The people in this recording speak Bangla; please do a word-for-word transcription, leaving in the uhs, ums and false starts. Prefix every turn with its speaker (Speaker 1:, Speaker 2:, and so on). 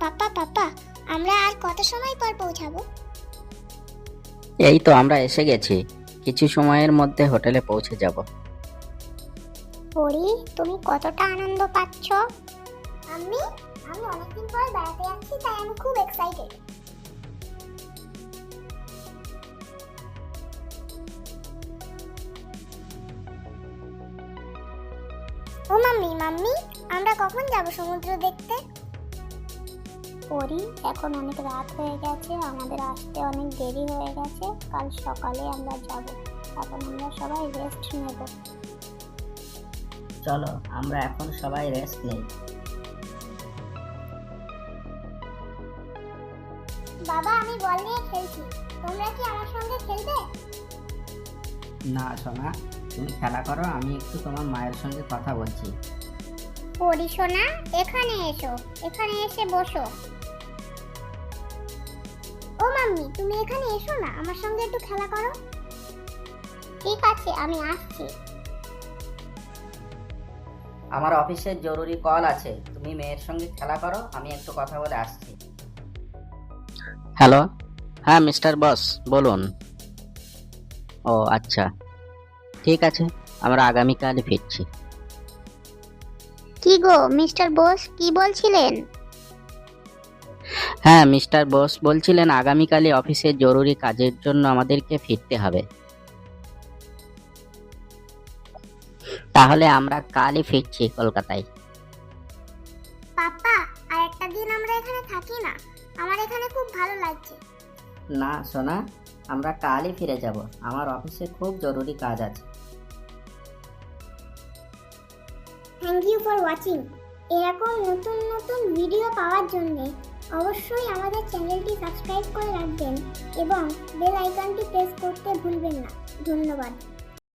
Speaker 1: পাপা পাপা আমরা আর কত সময় পর পৌঁছাবো?
Speaker 2: এই তো আমরা এসে গেছি, কিছু সময়ের মধ্যে হোটেলে পৌঁছে যাব।
Speaker 1: পরি, তুমি কতটা আনন্দ পাচ্ছ? আমি আমি অনেকদিন পর বেড়াতে যাচ্ছি, তাই আমি খুব এক্সাইটেড। ও মাম্মি মাম্মি আমরা কখন যাব সমুদ্র দেখতে? পরি, এখন অনেক রাত হয়ে গেছে, আমাদের আসতে অনেক দেরি হয়ে গেছে। কাল সকালে আমরা যাব, এখন আমরা সবাই রেস্ট নেব।
Speaker 2: চলো আমরা এখন সবাই রেস্ট নেই।
Speaker 1: বাবা, আমি বল নিয়ে খেলছি, তোমরা কি আমার সঙ্গে খেলবে?
Speaker 2: না সোনা, তুমি খেলা করো, আমি একটু তোমার মায়ের সঙ্গে কথা বলছি।
Speaker 1: পরি সোনা, এখানে এসো, এখানে এসে বসো। ও মাম্মি, তুমি এখানে এসো না, আমার সঙ্গে একটু খেলা করো। ঠিক আছে, আমি আসছি।
Speaker 2: আমার অফিসের জরুরি কল আছে, তুমি মেয়ের সঙ্গে খেলা করো, আমি একটু কথা বলে আসছি। হ্যালো, হ্যাঁ মিস্টার বস বলুন। ও আচ্ছা, ঠিক আছে, আমরা আগামীকাল ফিরছি।
Speaker 1: কি গো মিস্টার বোস, কি বলছিলেন?
Speaker 2: হ্যাঁ মিস্টার বোস বলছিলেন আগামীকালই অফিসের জরুরি কাজের জন্য আমাদেরকে ফিরতে হবে। তাহলে আমরা কালই ফিরছি কলকাতায়।
Speaker 1: পাপা, আর একটা দিন আমরা এখানে থাকি না? আমার এখানে খুব ভালো লাগছে।
Speaker 2: না সোনা, আমরা কালই ফিরে যাব, আমার অফিসে খুব জরুরি কাজ আছে।
Speaker 1: Thank you for watching. এরকম নতুন নতুন ভিডিও পাওয়ার জন্য অবশ্যই আমাদের চ্যানেলটি সাবস্ক্রাইব করে রাখবেন এবং বেল আইকনটি প্রেস করতে ভুলবেন না। ধন্যবাদ।